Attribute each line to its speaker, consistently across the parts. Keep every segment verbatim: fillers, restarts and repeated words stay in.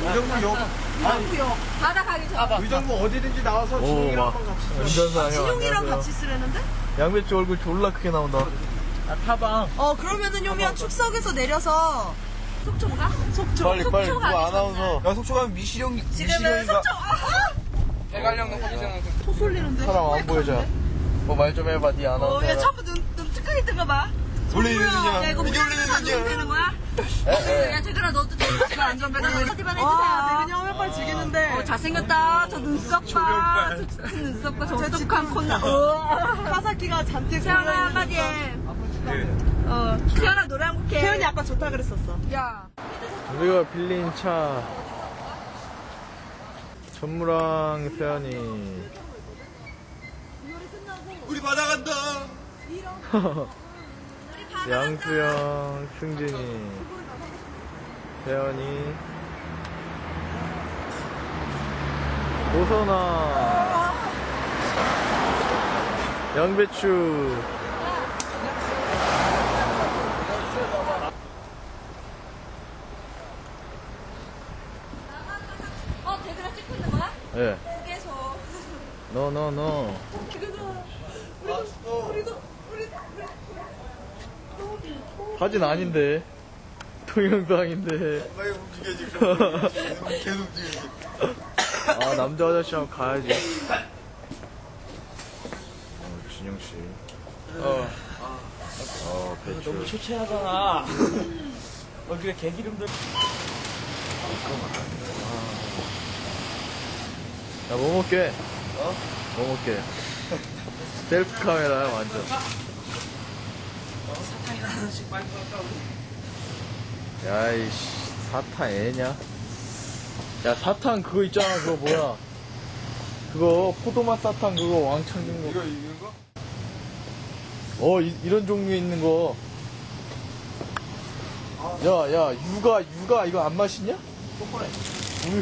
Speaker 1: 의정부 역.
Speaker 2: 의정부 역. 바다 가기 전.
Speaker 1: 의정부 어디든지 나와서 진용이랑 한번 같이 쓰.
Speaker 3: 운전사 형.
Speaker 2: 진용이랑 같이 쓰려는데?
Speaker 3: 양배추 얼굴 졸라 크게 나온다.
Speaker 4: 아, 타방.
Speaker 2: 어, 그러면은 요미야 축석에서 내려서 속초 가? 속초.
Speaker 3: 빨리 빨리
Speaker 2: 속초
Speaker 3: 누가
Speaker 2: 가기
Speaker 3: 아나운서.
Speaker 1: 야 속초 가면 미시령
Speaker 2: 지금은
Speaker 1: 미시령이가
Speaker 2: 속초. 아하!
Speaker 4: 대관령 거기잖아.
Speaker 2: 소 쏠리는데?
Speaker 3: 사람 안 보여줘. 뭐 말 좀 해봐, 니
Speaker 2: 어,
Speaker 3: 아나운서.
Speaker 2: 야, 처음부터 눈, 눈 찌끄게 뜬 거 봐.
Speaker 1: 원래 이런
Speaker 2: 야,
Speaker 1: 거냐?
Speaker 2: 이거
Speaker 1: 원래
Speaker 2: 무장해서 안
Speaker 1: 이런
Speaker 2: 되는
Speaker 1: 거냐?
Speaker 2: 거야? 야, 제들아, 너도 좀 안전벨트 어디만 해주세요.
Speaker 5: 와, 그냥 화면빨 즐기는데.
Speaker 2: 어, 잘생겼다. 저 눈썹 봐. 저 큰 눈썹 봐. 저 똑똑한 콧나. 어.
Speaker 5: 카사키가 잔뜩
Speaker 2: 태연아, 한마디 해. 어, 태연아, 노래 한 곡 해.
Speaker 5: 태연이 아까 좋다 그랬었어.
Speaker 2: 야.
Speaker 3: 우리가 빌린 차. 전무랑 세연이.
Speaker 1: 우리 바다 간다.
Speaker 3: 양수영, 승진이, 세연이, 오선아, 양배추.
Speaker 2: 어, 제들아 찍고 있는 거야?
Speaker 3: 예. 네.
Speaker 2: 계속.
Speaker 3: 노, 노, 노. 사진 아닌데. 동영상인데.
Speaker 1: 빨리 움직여 지금. 계속 움직여.
Speaker 3: 아, 남자 아저씨 한번 가야지. 어, 진영씨.
Speaker 4: 어.
Speaker 3: 어, 배추.
Speaker 4: 너무 초췌하잖아. 어, 그래, 개기름들.
Speaker 3: 야, 뭐 먹게?
Speaker 4: 어?
Speaker 3: 뭐 먹게? 셀프 카메라야, 완전.
Speaker 4: 사탕이나 하나씩 빨리 빨까 우리.
Speaker 3: 야이씨, 사탕 애냐? 야, 사탕 그거 있잖아, 그거 뭐야? 그거, 포도맛 사탕 그거 왕창 준 거.
Speaker 1: 이거 이런 거?
Speaker 3: 어, 이, 이런 종류 있는 거. 야, 야, 육아, 육아, 이거 안 맛있냐?
Speaker 1: 초콜릿.
Speaker 3: 우유.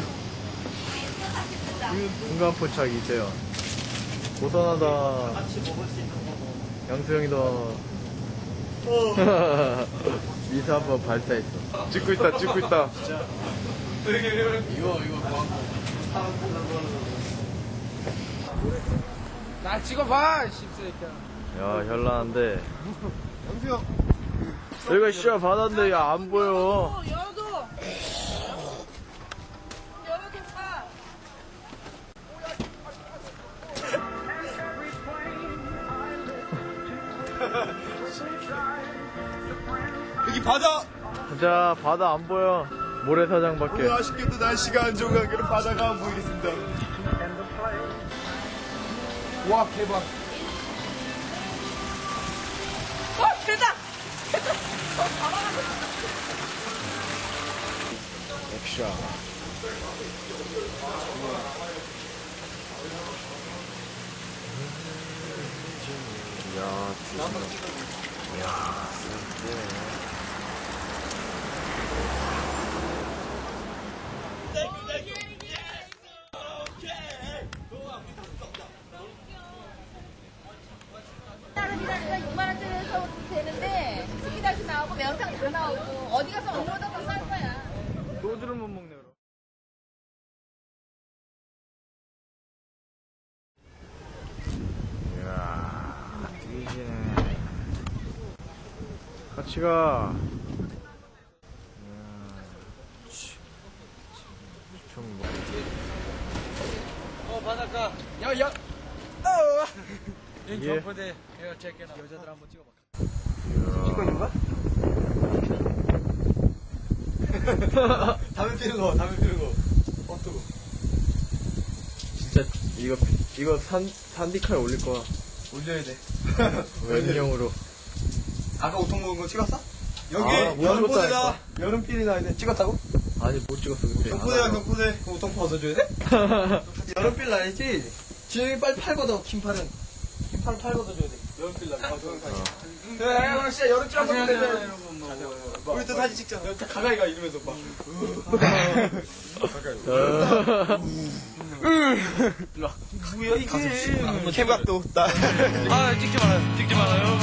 Speaker 3: 중간포착 이세요. 고선하다.
Speaker 4: 같이 먹을 수 있는 거.
Speaker 3: 양수영이다. 미사 한번 발사했어. 찍고 있다, 찍고 있다.
Speaker 1: 이거 이거 뭐?
Speaker 4: 날 찍어봐, 씹새끼야.
Speaker 3: 야, 현란한데.
Speaker 1: 영수형.
Speaker 3: 여기가 씨야 바다인데, 야, 안 보여.
Speaker 2: 열어도. 열어도 봐.
Speaker 1: 여기 바다.
Speaker 3: 자, 바다 안 보여. 모래사장밖에.
Speaker 1: 오늘 아쉽게도 날씨가 안 좋은 관계로 바다가 안 보이겠습니다. 와 대박.
Speaker 2: 어, 대박!
Speaker 3: 액션. 야, 진짜. 야, 진짜.
Speaker 6: 육만 원짜리에서 되는데 스키다시 나오고 매운탕 다 나오고 어디 가서 얼마보다 더 싼 거야.
Speaker 3: 소주를 못 먹네, 그럼. 이야, 뛰기네. 같이 가. 좀 뭐.
Speaker 4: 어, 바닷가. 야, 야. 어. 여기
Speaker 3: 예.
Speaker 4: 경포대. 이거 제게 여자들 한번 찍어봐.
Speaker 1: 찍고 있는 거야? 담배 피는 거, 담배 피는 거. 어, 뜨거.
Speaker 3: 진짜 이거 이거 산 산디카에 올릴 거야.
Speaker 1: 올려야 돼.
Speaker 3: 웬형으로.
Speaker 1: 아까 오통 먹은 거 찍었어? 여기
Speaker 3: 아, 못
Speaker 1: 여름포대다.
Speaker 3: 찍었다니까.
Speaker 1: 여름필이나 있네. 찍었다고?
Speaker 3: 아니 못 찍었어 근데.
Speaker 1: 경포대야 경포대. 그럼 오통 벗어줘야 돼? 여름필 날이지? 지영이 빨리 팔거든. 긴팔은. 긴팔 팔거든 줘야 돼. 여름필 날. 아, 저런 사진. 야, 야, 진짜 여름필 한번
Speaker 4: 안녕하세요,
Speaker 1: 빼자.
Speaker 4: 여러분. 뭐.
Speaker 1: 우리 또 사진 찍자. 가까이 가 이러면서 막. 뭐야 이게? 캠각도 나.
Speaker 4: 아, 찍지 말아요. 찍지 말아요.